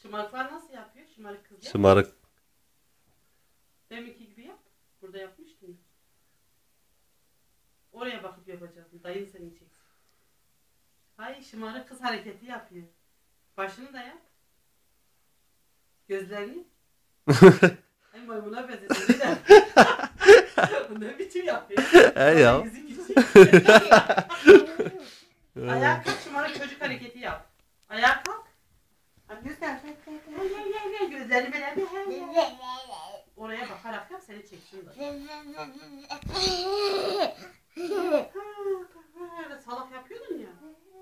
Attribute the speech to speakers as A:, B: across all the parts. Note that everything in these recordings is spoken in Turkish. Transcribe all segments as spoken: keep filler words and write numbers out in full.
A: Şımarıklar nasıl yapıyor? Şımarık kızlar.
B: Şımarık.
A: Deminki gibi yap. Burada yapmıştın ya. Oraya bakıp yapacaksın. Dayın seni çeksin. Hayır, şımarık kız hareketi yapıyor. Başını da yap. Gözlerini. Ay maymuna benzesin. Ne biçim yapıyor?
B: He ya.
A: Yüzü küçük. Ayağa kalk, şımarık çocuk hareketi yap. Ayağa kalk. Hadi göster. Gel gel gel gel. Gözlerini böyle bir. Oraya bakarak yap, seni çeksin de. Öyle salak yapıyordun ya.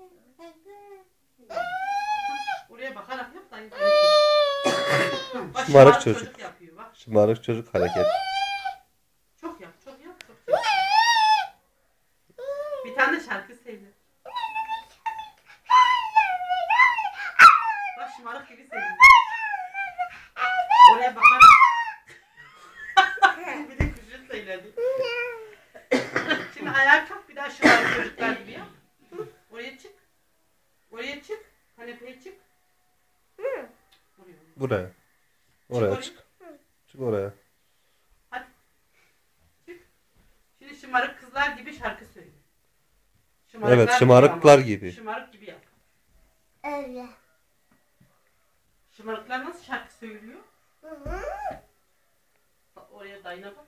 A: Oraya bakarak yap, dayı seni çeksin. Bak,
B: Şımarık çocuk.
A: çocuk yapıyor bak.
B: Şımarık çocuk hareket.
A: Çok yap, çok yap, çok yap. Bir tane de şarkı söyle. Bak şımarık gibi söyle. Oraya bakarak. Bir de kuşun söyledi. Şimdi ayağa kalk, bir daha şımarık çocuklar gibi yap. Oraya çık. Oraya çık. Kanepeye çık. Oraya.
B: Buraya. Oraya çık. Çık oraya.
A: Hadi. Çık. Şimdi şımarık kızlar gibi şarkı söyle.
B: Evet, şımarıklar gibi.
A: Şımarık gibi yap.
C: Öyle.
A: Şımarıklar nasıl şarkı söylüyor? Bak oraya dayına bak.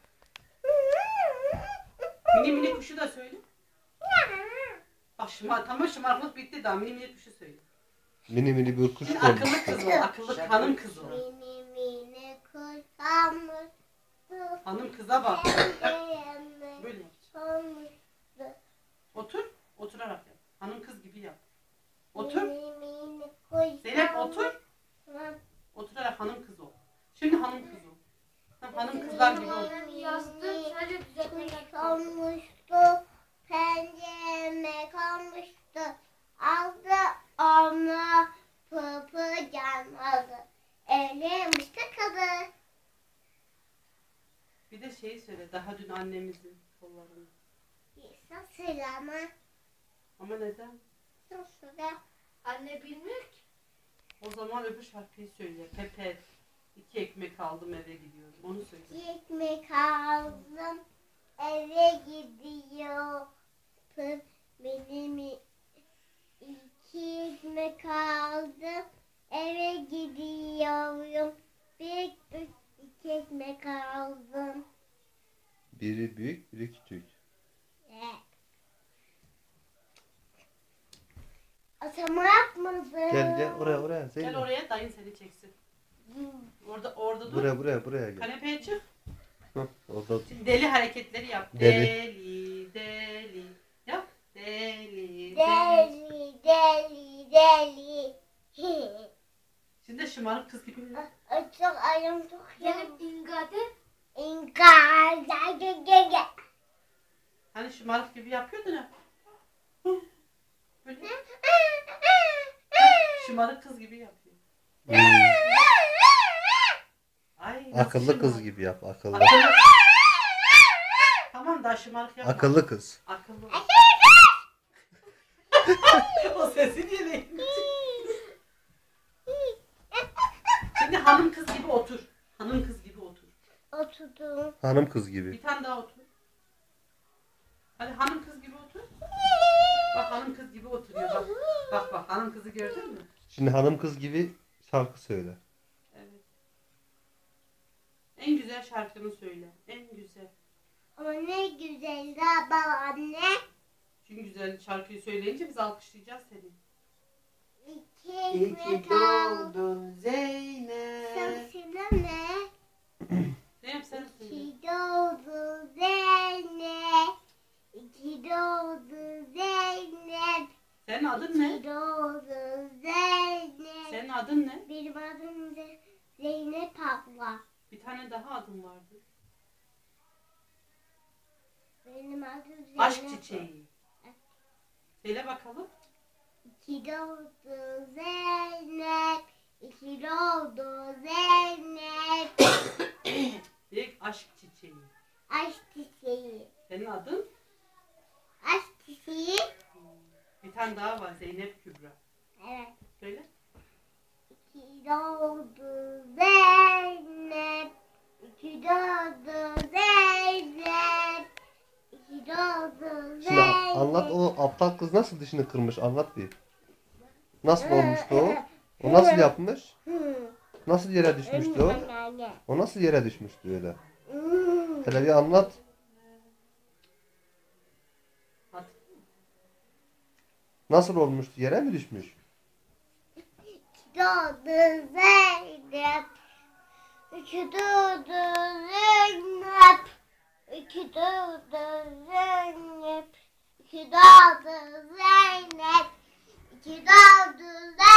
A: Mini mini kuşu da söyle. Bak şımar, tamam şımarıklık bitti daha, mini mini kuşu söyle.
B: Mini mini bir kuş
A: Şimdi
B: olmuş.
A: akıllı kız o, akıllı hanım kız o.
C: Mini mini kuşamız.
A: Hanım kıza bak. Böyle yap. Otur, oturarak yap. Hanım kız gibi yap. Otur. Zeynep otur. Oturarak hanım kız ol. Şimdi hanım kız ol. Tam hanım kızlar gibi ol.
C: Yazdım sadece düzeltmek kalmıştı. Pencereme kalmıştı. Aldı onu pıpı canladı. Evlenmiş tıkadı.
A: Bir de şeyi söyle. Daha dün annemizin kollarını.
C: Nasıl ama?
A: Ama neden?
C: Nasıl da? Anne bilmiyor ki.
A: O zaman öbür şarkıyı söyle. Pepe. İki ekmek aldım eve gidiyorum. Onu söyle.
C: İki ekmek aldım eve gidiyor. Benim iki ekmek aldım eve gidiyorum. Bir iki ekmek aldım.
B: Biri büyük, biri küçük.
C: Evet. Atama yapmadım.
B: Gel gel oraya oraya. Zeynep.
A: Gel oraya, dayın seni çeksin. Orada orada dur.
B: Buraya buraya buraya gel.
A: Kanepeye çık.
B: Hı, orada.
A: Şimdi deli hareketleri yap.
B: Deli.
A: Deli, deli. Yap. Deli, deli.
C: Deli deli deli.
A: Şimdi şımarık kız gibi.
C: Ay, çok ayım çok yanım. İngade. İngade. Gel gel gel.
A: Hani şımarık gibi yapıyordun ya. Hı. Böyle. Şımarık kız gibi yapıyor.
B: Hmm.
A: Ay, nasıl
B: Akıllı
A: şımarık?
B: kız gibi yap. Akıllı.
A: Akıllı. Tamam daha şımarık yapma.
B: Akıllı kız.
A: Akıllı. O sesi niye ne? Şimdi hanım kız gibi otur. Hanım kız gibi otur.
C: Oturdum.
B: Hanım kız gibi.
A: Bir tane daha otur. Hadi hanım kız gibi otur. Bak hanım kız gibi oturuyor. Bak bak, bak hanım kızı gördün mü?
B: Şimdi hanım kız gibi şarkı söyle.
A: Evet. En güzel şarkını söyle. En güzel.
C: Ama ne güzel de babaanne.
A: Çünkü güzel şarkıyı söyleyince biz alkışlayacağız seni.
C: İki ekmek aldım.
A: Zeynep.
C: Sen söyleme.
A: Zeynep sen söyle.
C: İki doğdu Zeynep. İki doğdu Zeynep.
A: Senin adın ne?
C: İki doğdu Zeynep.
A: Senin adın ne?
C: Benim adım Z- Zeynep abla.
A: Bir tane daha adın vardı.
C: Benim adım Zeynep.
A: Aşk çiçeği. Söyle bakalım.
C: İki doğdu Zeynep. İki doğdu Zeynep.
A: Direkt aşk çiçeği.
C: Aşk çiçeği.
A: Senin adın?
C: Aşk çiçeği.
A: Bir tane daha var. Zeynep Kübra.
C: Evet.
A: Söyle.
C: İki doğdu
B: anlat o aptal kız nasıl dişini kırmış anlat bir. Nasıl olmuştu o? O nasıl yapmış? Nasıl yere düşmüştü o? O nasıl yere düşmüştü öyle? Hele bir anlat.
A: Hadi.
B: Nasıl olmuştu? Yere mi düşmüş?
C: Doğdu Zeynep. İki doğdu Zeynep. İki doğdu Zeynep. İki doğdu Zeynep. İki doğdu Zeynep.